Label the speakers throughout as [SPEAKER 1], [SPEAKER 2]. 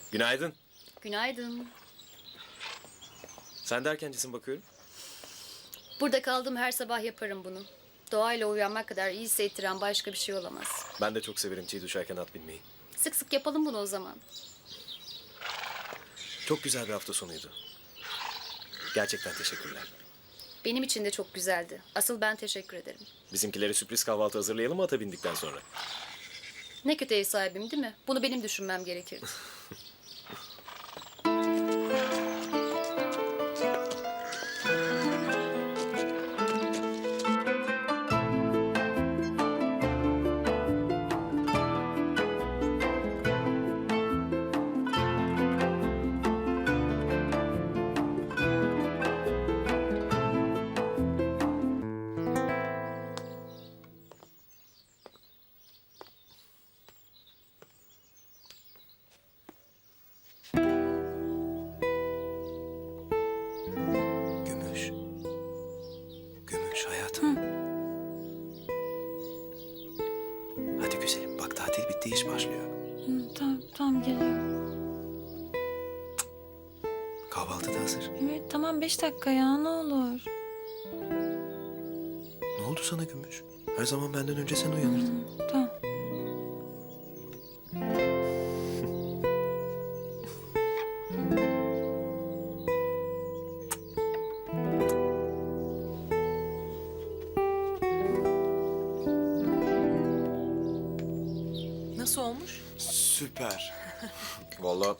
[SPEAKER 1] Günaydın.
[SPEAKER 2] Günaydın.
[SPEAKER 1] Sen de erkencisin bakıyorum.
[SPEAKER 2] Burada kaldığım her sabah yaparım bunu. Doğayla uyanmak kadar iyi hissettiren başka bir şey olamaz.
[SPEAKER 1] Ben de çok severim çiğ düşerken at binmeyi.
[SPEAKER 2] Sık sık yapalım bunu o zaman.
[SPEAKER 1] Çok güzel bir hafta sonuydu. Gerçekten teşekkürler.
[SPEAKER 2] Benim için de çok güzeldi. Asıl ben teşekkür ederim.
[SPEAKER 1] Bizimkilere sürpriz kahvaltı hazırlayalım mı ata bindikten sonra?
[SPEAKER 2] Ne kötü ev sahibim değil mi? Bunu benim düşünmem gerekirdi.
[SPEAKER 1] Gümüş. Gümüş hayatım. Hadi güzelim bak tatil bitti iş başlıyor.
[SPEAKER 3] Tamam geliyorum.
[SPEAKER 1] Kahvaltı da hazır.
[SPEAKER 3] Evet tamam 5 dakika ya ne olur.
[SPEAKER 1] Ne oldu sana Gümüş? Her zaman benden önce sen uyanırdın.
[SPEAKER 3] Tamam.
[SPEAKER 4] Nasıl olmuş?
[SPEAKER 1] Süper. Vallahi.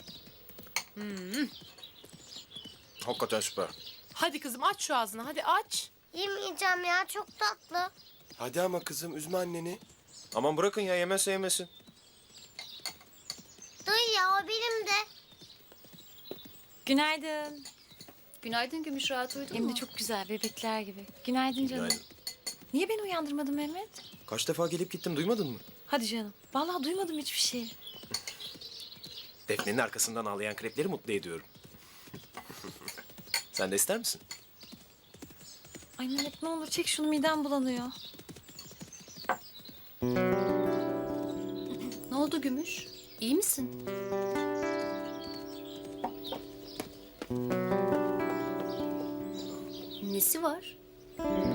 [SPEAKER 1] Hakikaten süper.
[SPEAKER 4] Hadi kızım aç şu ağzını hadi aç.
[SPEAKER 5] Yemeyeceğim ya, çok tatlı.
[SPEAKER 1] Hadi ama kızım üzme anneni. Aman bırakın ya yemezse yemesin.
[SPEAKER 5] Dayı ya, o benim de.
[SPEAKER 3] Günaydın.
[SPEAKER 2] Günaydın Gümüş, rahat uyudun
[SPEAKER 3] Hem
[SPEAKER 2] mu?
[SPEAKER 3] de çok güzel bebekler gibi. Günaydın canım.
[SPEAKER 1] Günaydın.
[SPEAKER 3] Niye beni uyandırmadın Mehmet?
[SPEAKER 1] Kaç defa gelip gittim duymadın mı?
[SPEAKER 3] Hadi canım. Vallahi duymadım hiçbir şey.
[SPEAKER 1] Defne'nin arkasından ağlayan krepleri mutlu ediyorum. Sen de ister misin?
[SPEAKER 3] Ay Mehmet ne olur çek şunu midem bulanıyor.
[SPEAKER 2] Ne oldu Gümüş? İyi misin? Nesi var?